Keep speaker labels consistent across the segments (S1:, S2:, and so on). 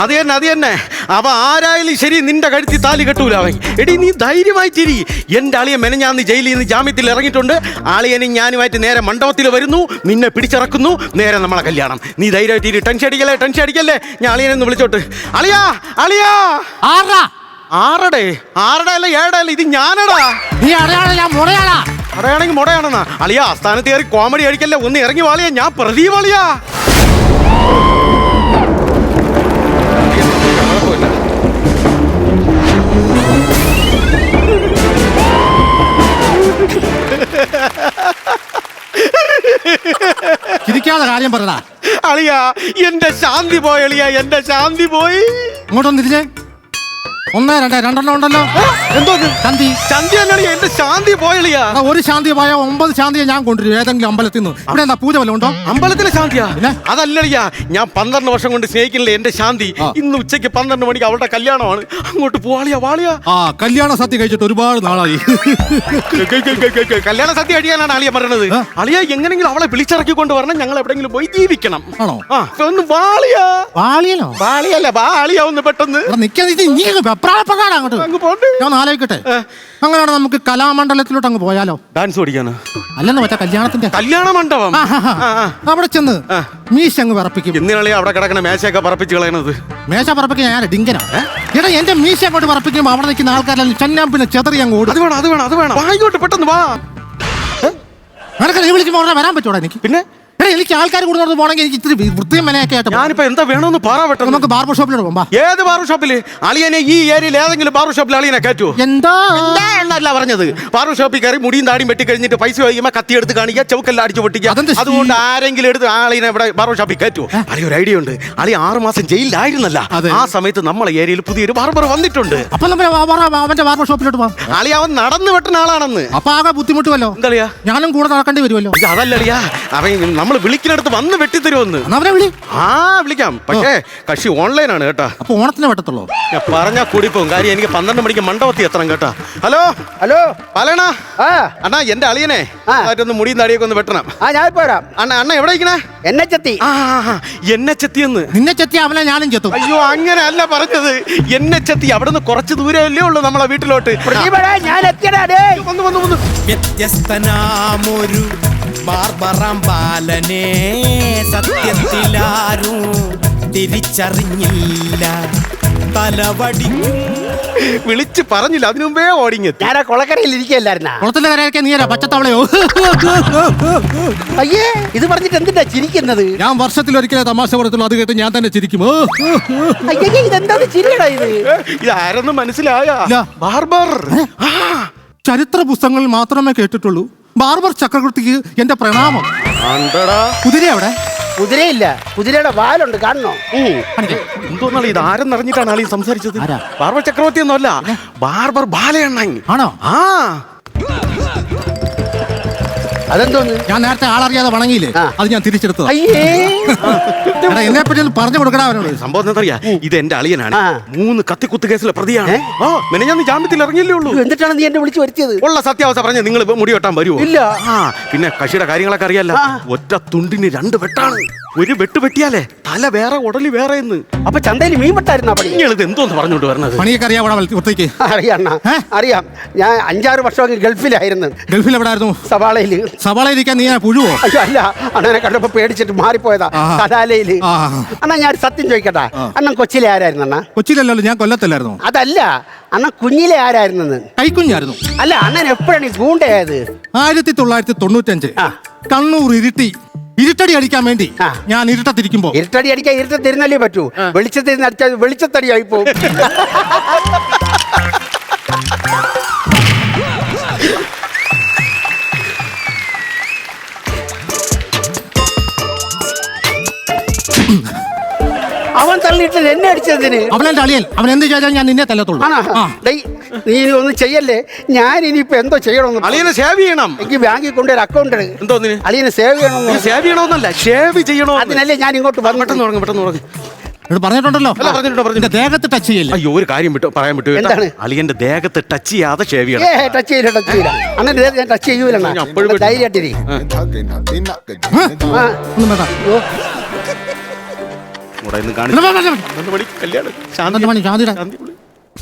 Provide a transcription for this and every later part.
S1: അത് തന്നെ. അവ ആരായാലും ശരി നിന്റെ കഴുത്തി താലി കെട്ടൂല അവൻ. എടി നീ ധൈര്യമായിട്ടിരി. എന്റെ അളിയൻ മെനഞ്ഞാന്ന് ജയിലിൽ നിന്ന് ജാമ്യത്തിൽ ഇറങ്ങിയിട്ടുണ്ട്. അളിയനും ഞാനുമായിട്ട് നേരെ മണ്ഡപത്തിൽ വരുന്നു, നിന്നെ പിടിച്ചിറക്കുന്നു, നേരെ നമ്മളെ കല്യാണം. നീ ധൈര്യമായിട്ടിരി, ടെൻഷൻ അടിക്കല്ലേ. ഞാൻ അളിയനെന്ന് വിളിച്ചോട്ട്. അളിയാ ആറടേ അല്ല 7 അല്ല, ഇത് ഞാനടാ.
S2: നീ
S1: അടയാണെങ്കിൽ മുടയാണെന്നാ. അളിയാ സ്ഥാനത്ത് കയറി കോമഡി അടിക്കല്ലേ, ഒന്ന് ഇറങ്ങി വാളിയാ. ഞാൻ പ്രദീപ് അളിയാ.
S2: ചിരിക്കാതെ കാര്യം പറയടാ.
S1: അളിയാ എന്റെ ശാന്തി പോയി. അളിയാ എന്റെ ശാന്തി പോയി.
S2: ഇങ്ങോട്ടൊന്ന് തിരിഞ്ഞേ. 1 2 2 ഉണ്ടല്ലോ.
S1: എന്തോ
S2: ശാന്തി
S1: അല്ലളിയാ, എന്റെ ശാന്തി പോയളിയാ.
S2: ഒരു ശാന്തി പോയ 9 ശാന്തിയെ ഞാൻ കൊണ്ടുവരും ഏതെങ്കിലും അമ്പലത്തിൽ നിന്ന്. ഇവിടെ എന്താ പൂജ വല്ലതും ഉണ്ടോ?
S1: അമ്പലത്തിലെ ശാന്തിയാ? അതല്ലളിയാ, ഞാൻ 12 വർഷം കൊണ്ട് സ്നേഹിക്കുന്നില്ല എന്റെ ശാന്തി. ഇന്ന് ഉച്ചയ്ക്ക് 12 മണിക്ക് അവളുടെ കല്യാണമാണ്. അങ്ങോട്ട് പോവാളിയാ. വാളിയാ.
S2: കല്യാണ സദ്യ കഴിച്ചിട്ട് ഒരുപാട് നാളായി.
S1: കല്യാണ സദ്യ കഴിയാനാണ് അളിയ പറഞ്ഞത്. അളിയ എങ്ങനെങ്കിലും അവളെ വിളിച്ചിറക്കി കൊണ്ട് വരണം. ഞങ്ങൾ എവിടെങ്കിലും പോയി ജീവിക്കണം.
S2: ആണോ?
S1: ഒന്ന് വാളിയാ.
S2: വാളിയല്ല,
S1: വാളിയാ ഒന്ന് പെട്ടെന്ന്.
S2: ഞാൻ ആലോചിക്കട്ടെ. അങ്ങനെയാണ് നമുക്ക് കലാമണ്ഡലത്തിലോട്ട് അങ്ങ് പോയാലോ?
S1: ഡാൻസ് പഠിക്കാനോ?
S2: അല്ലെന്ന് വെച്ചാ കല്യാണത്തിന്റെ
S1: കല്യാണ മണ്ഡപം.
S2: അവിടെ ചെന്ന് മീശ അങ്ങ് പറപ്പിക്കും.
S1: എന്തിനാളി അവിടെ കിടക്കണ മേശയൊക്കെ പറപ്പിച്ച് കളയണത്?
S2: മേശ പറപ്പിക്കാൻ ഞാൻ ഡിങ്കനോ? എടാ എന്റെ മീശ അങ്ങോട്ട് പറപ്പിക്കുമ്പോ അവിടെ നിൽക്കുന്ന ആൾക്കാരെല്ലാം ചെന്നാൻ പിന്നെ ചെതറി അങ്ങ് ഓടും.
S1: അത് വേണം. വായിക്കോട്ട് പെട്ടെന്ന് വാ.
S2: നിനക്ക് നീ വിളിക്കുമ്പോ അവിടെ വരാൻ പറ്റൂടാ എനിക്ക്? പിന്നെ എനിക്ക് ആൾക്കാർ കൂടുതൽ പോകണമെങ്കിൽ എനിക്ക് ഇത്തിരി വൃത്തിയും മെനയൊക്കെ ആയിട്ട്.
S1: ഞാനിപ്പോ എന്താ വേണമെന്ന് പറ.
S2: നമുക്ക് ബാർബർ ഷോപ്പിലോട്ട് പോകാം. ഏത്
S1: ബാർബർ ഷോപ്പില്? അളിയനെ ഈ ഏരിയയിൽ ഏതെങ്കിലും ബാർബർ ഷോപ്പിൽ അളിയനെ കയറ്റുമോ?
S2: എന്താ
S1: എന്നല്ല പറഞ്ഞത്. ബാർബർ ഷോപ്പിൽ കയറി മുടിയും താടിയും വെട്ടി കഴിഞ്ഞിട്ട് പൈസ വൈകുമ്പോ കത്തി എടുത്ത് കാണിക്കുക, ചൗക്കെല്ലാം അടിച്ചു പൊട്ടിക്കുക. അതുകൊണ്ട് ആരെങ്കിലും എടുത്ത് ആളിനെ ഇവിടെ ബാർബർ ഷോപ്പിൽ കയറ്റുമോ? അളിയ ഒരു ഐഡിയ ഉണ്ട്. അളിയ 6 മാസം ജയിലിലായിരുന്നല്ല, ആ സമയത്ത് നമ്മളെ ഏരിയയിൽ പുതിയൊരു ബാർബർ വന്നിട്ടുണ്ട്.
S2: അപ്പൊ അവന്റെ ബാർബർ ഷോപ്പിലോട്ട് പോകാം.
S1: അളിയ അവൻ നടന്നു വെട്ടുന്ന ആളാണെന്ന്.
S2: അപ്പൊ ആകെ ബുദ്ധിമുട്ടുമല്ലോ.
S1: എന്താ
S2: ഞാനും കൂടെ നടക്കേണ്ടി വരുമല്ലോ.
S1: അതല്ലളിയാ, അവൻ നമ്മൾ വിളിക്കുന്നിടത്ത് വന്ന് വെട്ടിത്തരുമെന്ന്. വിളിക്കാം. പക്ഷേ കക്ഷി ഓൺലൈനാണ് കേട്ടാ.
S2: അപ്പൊ ഓണത്തിന് വെട്ടത്തുള്ളൂ.
S1: ഞാൻ പറഞ്ഞാ കൂടിപ്പോവും. കാര്യം എനിക്ക് 12 മണിക്ക് മണ്ഡപത്തിൽ എത്തണം കേട്ടാ. ഹലോ പാലണ അണ്ണാ, എന്റെ അളിയനെ ഒന്ന് മുടിയും താടിയൊക്കെ ഒന്ന് വെട്ടണം.
S3: ഞാൻ പോരാം.
S1: അണ്ണ എവിടെ ഇരിക്കണേ?
S3: എന്നെ ചെത്തി.
S1: എന്നെ ചെത്തിയെന്ന്.
S2: നിന്നെ ചെത്തി അവനെ ഞാനും ചെത്തും.
S1: അയ്യോ അങ്ങനെ അല്ല പറഞ്ഞത്. എന്നെ ചെത്തി. അവിടെ നിന്ന് കുറച്ച് ദൂരമല്ലേ ഉള്ളൂ നമ്മളെ വീട്ടിലോട്ട്.
S3: ഞാൻ എത്തിയടാ.
S1: വന്നു.
S4: വ്യത്യസ്തനാമൊരു ബാർബറാം ബാലനെ സത്യത്തിലാരും തിരിച്ചറിഞ്ഞില്ല. തലവടിക്കും
S1: വിളിച്ച് പറഞ്ഞില്ല, അതിനു മുമ്പേ ഓടിങ്ങെത്തി.
S3: ഞാൻ കൊളക്കരയിൽ ഇരിക്കല്ലായിരുന്ന.
S2: കുളത്തിന്റെ കരയൊക്കെ നീരാ പച്ചത്തവളയോ?
S3: അയ്യേ, ഇത് പറഞ്ഞിട്ട് എന്തിനാ ചിരിക്കുന്നത്?
S2: ഞാൻ വർഷത്തിൽ ഒരിക്കലേ തമാശ പറയത്തുള്ളൂ. അത് കേട്ട് ഞാൻ തന്നെ ചിരിക്കും.
S3: അയ്യേ, ഇതെന്താ ചിരിയടാ ഇത്?
S1: ഇതാരെന്ന് മനസ്സിലായ? ബാർബർ.
S2: ചരിത്ര പുസ്തകങ്ങളിൽ മാത്രമേ കേട്ടിട്ടുള്ളൂ. ബാർബർ ചക്രവർത്തിക്ക് എന്റെ പ്രണാമം. കുതിര അവിടെ?
S3: കുതിരയില്ല, കുതിരയുടെ വാലുണ്ട്, കാണണോ?
S1: എന്തോന്നാണ് ഇത്? ആരെന്ന് അറിഞ്ഞിട്ടാണ് ആളീ സംസാരിച്ചത്? ബാർബർ ചക്രവർത്തി ഒന്നും അല്ല, ബാർബർ ബാലയണ്ണൻ.
S2: ആണോ?
S3: അതെന്തോന്ന്?
S2: ഞാൻ നേരത്തെ ആളറിയാതെ വണങ്ങിയില്ലേ, അത് ഞാൻ തിരിച്ചെടുത്തത്. എന്നെ പറ്റി പറഞ്ഞു കൊടുക്കണ അവനോട്.
S1: സംഭവം എന്താ അറിയാ? ഇത് എന്റെ അളിയനാണ്. 3 കത്തിക്കുത്ത് കേസിലെ പ്രതിയാണ്. ഞാൻ ജാമ്യത്തിൽ ഇറങ്ങിയല്ലേ ഉള്ളൂ.
S3: എന്നിട്ടാണ് നീ എന്നെ വിളിച്ചു വരുത്തിയത്?
S1: ഉള്ള സത്യാവസ്ഥ പറഞ്ഞ നിങ്ങൾ മുടി വെട്ടാൻ വരുമോ?
S3: ഇല്ല.
S1: പിന്നെ കക്ഷിയുടെ കാര്യങ്ങളൊക്കെ അറിയാലോ. ഒറ്റ തുണ്ടിന് 2 വെട്ടാണ്. ഒരു വെട്ട് വെട്ടിയാലേ തല വേറെ ഉടലി വേറെ.
S3: അപ്പൊ ചന്തയിൽ മീൻ വെട്ടായിരുന്ന പണി?
S1: ഇത് എന്തോന്ന് പറഞ്ഞോണ്ട് വരണത്?
S2: പണിയൊക്കെ
S3: അറിയാം. അറിയാം. ഞാൻ 5-6 വർഷം ഗൾഫിലായിരുന്നു.
S2: ഗൾഫിൽ എവിടെയായിരുന്നു?
S3: സവാളയില്.
S2: സവാളയിരിക്കാൻ നീ പുഴുവോ?
S3: അയ്യോ അല്ല, അണ്ണനെ കണ്ടപ്പോ പേടിച്ചിട്ട് മാറിപ്പോയതാ. കലാലയില്. അണ്ണാ ഞാൻ സത്യം ചോദിക്കട്ടെ, അണ്ണൻ കൊച്ചിയിലെ ആരായിരുന്നു? അണ്ണാ
S2: കൊച്ചിയിലല്ലോ, ഞാൻ കൊല്ലത്തല്ലായിരുന്നു.
S3: അതല്ല, അണ്ണൻ കുഞ്ഞിലെ ആരായിരുന്നു?
S2: കൈക്കുഞ്ഞായിരുന്നു.
S3: അല്ല, അണ്ണൻ എപ്പോഴാണ് ഈ ഗൂണ്ടയായത്?
S2: 1995 കണ്ണൂർ ഇരുട്ടടി അടിക്കാൻ വേണ്ടി ഞാൻ ഇരുട്ടത്തിരിക്കുമ്പോ.
S3: ഇരുട്ടടി അടിക്കാൻ ഇരുട്ടത്തിരുന്നല്ലേ പറ്റൂ. വെളിച്ചത്തിരുന്ന് അടിച്ചാൽ വെളിച്ചത്തടിയായി പോകും. അവൻ തള്ളിയിട്ട് എന്നെ അടിച്ചതിന്.
S2: അവനെന്റെ അളിയൻ. അവൻ എന്ത് ചെയ്താൽ ഞാൻ നിന്നെ തല്ലത്തുള്ളൂ.
S3: നീ ഒന്നും ചെയ്യല്ലേ. ഞാൻ ഇനിയിപ്പോ എന്തോ ചെയ്യണമെന്ന്.
S1: അളിയനെ സേവ് ചെയ്യണം.
S3: എനിക്ക് ബാങ്കിൽ കൊണ്ടൊരു അക്കൗണ്ട് ഉണ്ട്.
S1: എന്തോന്നിന്?
S3: അളിയനെ സേവ് ചെയ്യണമെന്ന്.
S1: സേവ് ചെയ്യണമെന്നല്ല, ഷേവ് ചെയ്യണോ.
S3: അതിനല്ലേ ഞാൻ ഇങ്ങോട്ട്
S1: പെട്ടെന്ന്
S2: പറഞ്ഞിട്ടുണ്ടല്ലോ. ദേഹത്ത് ടച്ച് ചെയ്യില്ല.
S1: അയ്യോ, ഒരു കാര്യം പറയാൻ വിട്ടു.
S3: എന്താണ്?
S1: അളിയന്റെ ദേഹത്ത് ടച്ച് ചെയ്യാതെ ഷേവ് ചെയ്യണം.
S3: ടച്ച് ചെയ്യില്ല. അങ്ങനെ ഞാൻ ടച്ച് ചെയ്യൂല. ധൈര്യമായിട്ടിരി.
S1: ഇവിടെ ഇന്ന് കാണിച്ചു 12 മണി കല്യാണം. ശാന്തി
S2: ശാന്തിയുടെ
S1: ശാന്തി വിളി.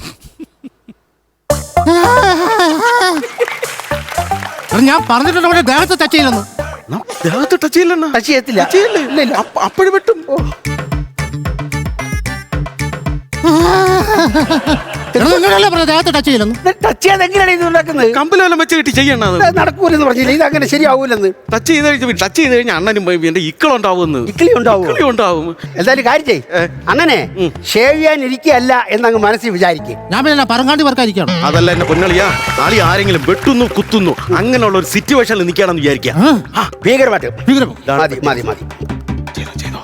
S2: ഞാൻ പറഞ്ഞിട്ടുണ്ട് അവിടെ ദേഹത്ത് ടച്ച് ചെയ്യില്ലെന്ന്.
S1: ദേഹത്ത് ടച്ച് ചെയ്യില്ലെന്നാ?
S3: ടച്ച് ചെയ്യത്തില്ല.
S1: ടച്ച് ചെയ്യില്ലേ?
S3: ഇല്ല, ഇല്ല.
S1: അപ്പോഴും വെട്ടും.
S2: ദേഹത്ത് ടച്ച് ചെയ്യില്ലെന്ന്.
S3: ടച്ച് ചെയ്യാതെ എങ്ങനെയാണ് ഇത് ഉണ്ടാക്കുന്നത്?
S1: കമ്പലെല്ലാം വെച്ച് കെട്ടി ചെയ്യണ
S3: നടക്കൂലെന്ന് പറഞ്ഞില്ല. ഇത് അങ്ങനെ ശരിയാവൂലെന്ന്.
S1: ടച്ച് ചെയ്ത് കഴിഞ്ഞാൽ അണ്ണനും എന്റെ ഇക്കളുണ്ടാവുമെന്ന്.
S3: ഇക്കിളി ഉണ്ടാവും.
S1: ഇക്കളി ഉണ്ടാവും.
S3: എന്തായാലും കാര്യം ചെയ്. അണ്ണനെ ഷേവ് ചെയ്യാൻ ഇരിക്കുകയല്ല എന്നങ്ങ് മനസ്സിൽ വിചാരിക്കും.
S2: ഞാൻ പിന്നെ പറങ്കാണ്ടി വർക്കായിരിക്കണം.
S1: അതല്ല എന്നെ പൊന്നളിയാ, ആളി ആരെങ്കിലും വെട്ടുന്നു കുത്തുന്നു അങ്ങനെയുള്ള ഒരു സിറ്റുവേഷനിൽ നിൽക്കുകയാണെന്ന് വിചാരിക്കാം.
S3: ഭീകരമായിട്ട്
S2: ഭീകരം.
S3: മതി മതി മതി.
S1: ചെയ്തോ.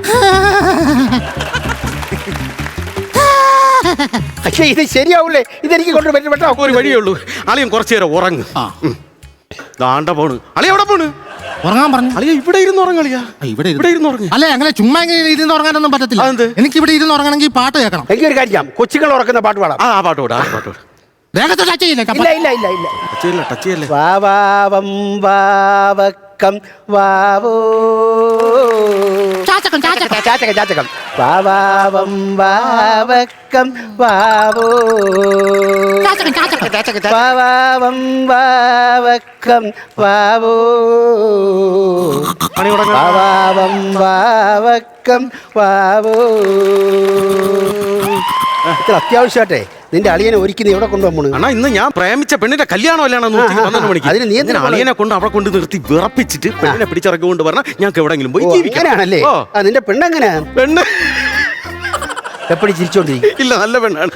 S3: പക്ഷേ ഇത് ശരിയാവൂലേ? ഇതെനിക്ക് കൊണ്ട് പറ്റാ
S1: ഒരു വഴിയേ ഉള്ളൂ. അളിയൻ കുറച്ചു നേരം ഉറങ്ങ്. ദാണ്ട പോണ്. അളിയ എവിടെ പോണ്?
S2: ഉറങ്ങാൻ പറഞ്ഞു.
S1: അളിയ ഇവിടെ ഇരുന്ന് ഉറങ്ങളിയാ. ഇവിടെ ഇരുന്ന് ഉറങ്ങി.
S2: അല്ലെ അങ്ങനെ ചുമ്മാ ഇങ്ങനെ ഇരുന്ന് ഉറങ്ങാനൊന്നും പറ്റത്തില്ല. എനിക്ക് ഇവിടെ ഇരുന്ന് ഉറങ്ങണമെങ്കിൽ പാട്ട് കേൾക്കണം.
S3: എനിക്കൊരു കാര്യം ചെയ്യാം. കൊച്ചുങ്ങൾ ഉറക്കുന്ന പാട്ട് പാടാം.
S1: ആ പാട്ട് പാടാ.
S2: ദേഹത്ത് ടച്ച് ചെയ്യില്ല.
S1: ടച്ച് ചെയ്യില്ല.
S3: വാവാവം വാവക്കം വാവോ
S2: ചാച്ചകം
S3: വാവാവം വാവക്കം വാവോ വാവാവം വാവക്കം വാവോ വാവാവം വാവക്കം വാവോ. ഇത്ര അത്യാവശ്യമായിട്ടെ നിന്റെ അളിയനെ ഒരുക്കി നീ എവിടെ കൊണ്ടുപോകും?
S1: അണ്ണാ ഇന്ന് ഞാൻ പ്രേമിച്ച പെണ്ണിന്റെ കല്യാണം അല്ലാണെന്ന് 12 മണിക്ക്.
S3: അതിന് നീ
S1: അളിയനെ കൊണ്ട് അവിടെ കൊണ്ട് നിർത്തി വിറപ്പിച്ചിട്ട് പെണ്ണിനെ പിടിച്ചിറക്കി കൊണ്ട് പറഞ്ഞാൽ ഞങ്ങൾക്ക് എവിടെങ്കിലും പോയി
S3: ജീവിക്കാനാണല്ലേ? നിന്റെ പെണ്ണെങ്ങനെയാ?
S1: പെണ്ണ്
S3: എപ്പോഴും ചിരിച്ചോണ്ടിരിക്കും.
S1: ഇല്ല, നല്ല പെണ്ണാണ്.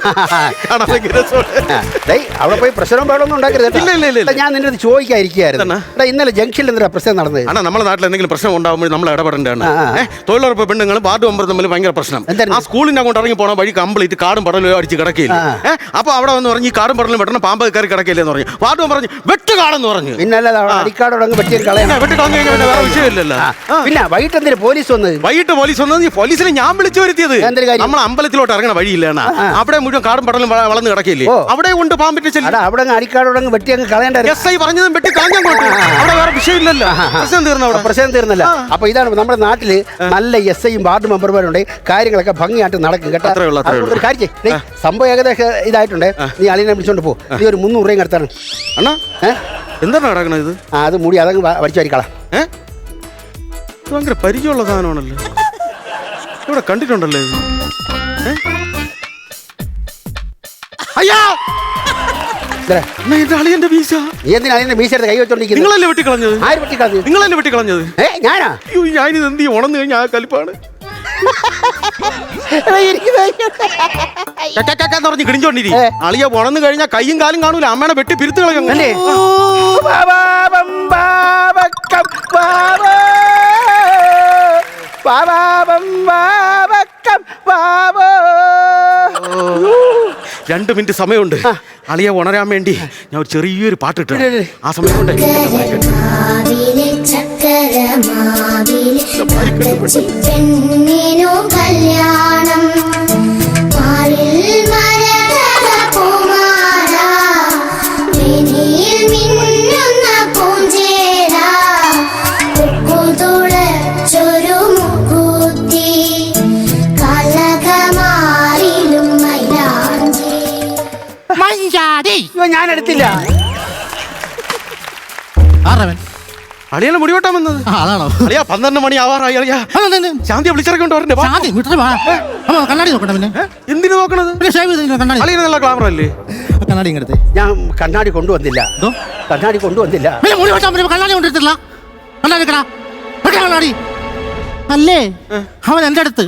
S3: അവിടെ പോയി പ്രശ്നം പാടൊന്നും ഉണ്ടാക്കരുത്.
S1: ഇല്ല.
S3: ഞാൻ നിന്റെ അടുത്ത് ചോദിക്കാതിരിക്കുകയായിരുന്നു. ഇന്നലെ ജംഗ്ഷനിൽ എന്തിനാ പ്രശ്നം നടന്നത്?
S1: അണ്ണാ നമ്മുടെ നാട്ടിൽ എന്തെങ്കിലും പ്രശ്നം ഉണ്ടാകുമ്പോൾ നമ്മൾ ഇടപെടേണ്ടതാണ്. തൊഴിലുറപ്പ് പെണ്ണുങ്ങളും വാർഡ് മെമ്പർ തമ്മിൽ ഭയങ്കര പ്രശ്നം. ആ സ്കൂളിന്റെ അങ്ങോട്ട് ഇറങ്ങി പോണ വഴി കംപ്ലീറ്റ് കാടും പടലും അടിച്ച് കിടക്കില്ല. അപ്പൊ അവിടെ വന്ന് പറഞ്ഞ് ഈ കാടും പടലും വെട്ടണം, പാമ്പ് കയറി കിടക്കില്ലെന്ന് പറഞ്ഞു. വാർഡ് മെമ്പർ പറഞ്ഞു വെട്ടുകാടെന്ന് പറഞ്ഞു.
S3: പിന്നല്ല അടിക്കാടോടങ്ങ് വെട്ടി കളയാൻ.
S1: വെട്ടിക്കളഞ്ഞു കഴിഞ്ഞാൽ വേറെ വിഷയമില്ലല്ലോ.
S3: പിന്നെ വൈകിട്ട് എന്തിനാ പോലീസ് വന്നത്?
S1: വൈകിട്ട് പോലീസ് വന്നത് പോലീസിനെ ഞാൻ വിളിച്ചു വരുത്തിയത്. നമ്മൾ അമ്പലത്തിലോട്ട് ഇറങ്ങണ വഴിയില്ല, അവിടെ മുഴുവൻ കാടും പടലും വളർന്ന് കിടക്കില്ലേ, അവിടെ കൊണ്ട് പാമ്പിട്ട് ചെല്ലും.
S3: അവിടെ അടിക്കാടോടങ്ങ് വെട്ടി അങ്ങ് കളയേണ്ട.
S1: SI പറഞ്ഞതും വെട്ടി കളഞ്ഞു. അവിടെ വേറെ വിഷയമില്ലല്ലോ. പ്രശ്നം തീർന്നല്ല.
S3: അപ്പൊ ഇതാണ് നമ്മുടെ നാട്ടില് നല്ല SIയും വാർഡ് മെമ്പർമാരുണ്ട്. കാര്യങ്ങളൊക്കെ ഭംഗിയായിട്ട് നടക്കും കേട്ടോ. ഒരു കാര്യം ചെയ്യ്. സംഭവം ഏകദേശം ഇതായിട്ടുണ്ട്. നീ അളിയനെ വിളിച്ചോണ്ട് പോ. നീ ഒരു 300 രൂപയും കിടത്താണ്.
S1: അണ്ണാ എന്താണ് നടക്കണത്? ഇത്
S3: അത് മൂടി അതങ്ങ് വരിച്ചു വരിക്കളാം.
S1: ഭയങ്കര പരിചയമുള്ള സാധനമാണല്ലോ. ഇവിടെ കണ്ടിട്ടുണ്ടല്ലോ ഇത്. അയ്യാ അളിയന്റെ വീശ.
S3: നീ എന്തിനാ അളിയന്റെ വീശ എടുത്ത് കൈ വെച്ചോണ്ടിരിക്കുന്നത്?
S1: നിങ്ങളല്ലേ വെട്ടിക്കളഞ്ഞത്?
S3: ആര് വെട്ടിക്കളഞ്ഞത്?
S1: നിങ്ങളല്ലേ വെട്ടിക്കളഞ്ഞത്?
S3: ഞാനാ?
S1: ഞാനിത് എന്ത് ചെയ്യും? ഉണർന്നു കഴിഞ്ഞാൽ ആ കലിപ്പാണ് പറഞ്ഞ് കിടിഞ്ചോണ്ടിരി. അളിയ ഉണർന്നു കഴിഞ്ഞാൽ കയ്യും കാലും കാണൂല. അമ്മേനെ വെട്ടി പിരുത്ത് കളയല്ലേ. രണ്ട് മിനിറ്റ് സമയമുണ്ട്. അളിയെ ഉണരാൻ വേണ്ടി ഞാൻ ഒരു ചെറിയൊരു പാട്ട് ഇട്ടു. ആ സമയം കൊണ്ട്
S3: ഞാൻ എടുത്തില്ല.
S1: അളിയാണ് മുടി വെട്ടാൻ വന്നത്.
S2: അതാണോ?
S1: അളിയാ 12 മണി ആവാറായി. അളിയാ ശാന്തി വിളിച്ചിറക്കൊണ്ട് വരണ്ടേ?
S2: കണ്ണാടി നോക്കട്ടെ. പിന്നെ
S1: എന്തിനു നോക്കണത്? അളിയന് നല്ല ക്ലാമർ അല്ലേ?
S2: കണ്ണാടി ഇങ്ങടുത്ത്.
S3: ഞാൻ കണ്ണാടി കൊണ്ടുവന്നില്ല. കണ്ണാടി കൊണ്ടുവന്നില്ല.
S2: മുടി വെട്ടാൻ കണ്ണാടി കൊണ്ടിട്ടില്ല. കണ്ണാടി അല്ലേ അവൻ എൻ്റെ അടുത്ത്.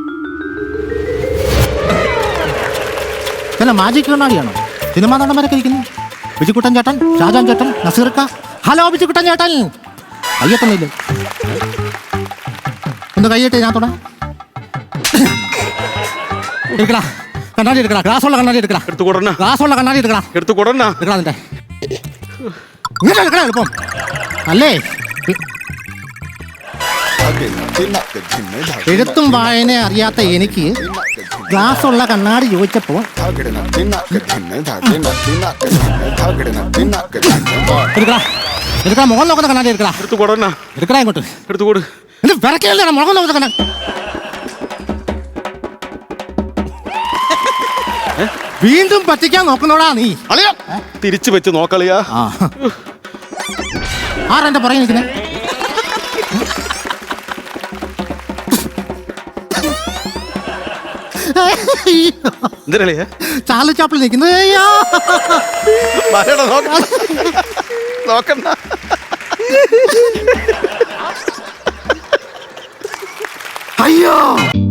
S2: പിന്നെ മാജിക് കണ്ണാടിയാണോ? സിനിമാ നടന്മാരൊക്കെ ഇരിക്കുന്നു. ബിജുക്കുട്ടൻ ചേട്ടൻ, ഷാജാൻ ചേട്ടൻ, നസീർക്ക. ഹലോ ബിജുക്കുട്ടൻ ചേട്ടൻ. കയ്യെത്തുന്നില്ല. ഒന്ന് കയ്യിട്ട് ഞാൻ തുടങ്ങാം. എടുക്കടാ കണ്ണാടി എടുക്കടാ. ഗ്ലാസ്സുള്ള കണ്ണാടി എടുക്കടാ.
S1: എടുത്തു കൊടുന്ന
S2: ഗ്ലാസ്സുള്ള കണ്ണാടി എടുക്കടാ.
S1: എടുത്തു കൊടുന്ന
S2: എടുക്കടാ. നിന്റെ ഇങ്ങനെ എടുക്കടാ എളുപ്പം അല്ലേ? എഴുത്തും വായന അറിയാത്ത എനിക്ക് ഗ്ലാസ്സുള്ള കണ്ണാടി ചോദിച്ചപ്പോൾ എടുക്കടാ. മുഖം നോക്കുന്ന കണ്ണാടി എടുക്കടാ.
S1: എടുത്തു കൊടുന്ന
S2: എടുക്കടാ. ഇങ്ങോട്ട്
S1: എടുത്തു കൊടു.
S2: വിറക്കല്ലേ മുഖം നോക്കുന്ന കണ്ണാടി. വീണ്ടും പറ്റിക്കാൻ നോക്കുന്നോടാ നീ.
S1: അളിയാ തിരിച്ചു വെച്ച് നോക്കളിയാ.
S2: ആ ആരെന്റെ പുറകെ നിൽക്കുന്നേ?
S1: എന്തിനളിയാ
S2: ചാർലി ചാപ്പിൾ നിൽക്കുന്നത്.
S1: നോക്കണ്ട
S2: അയ്യോ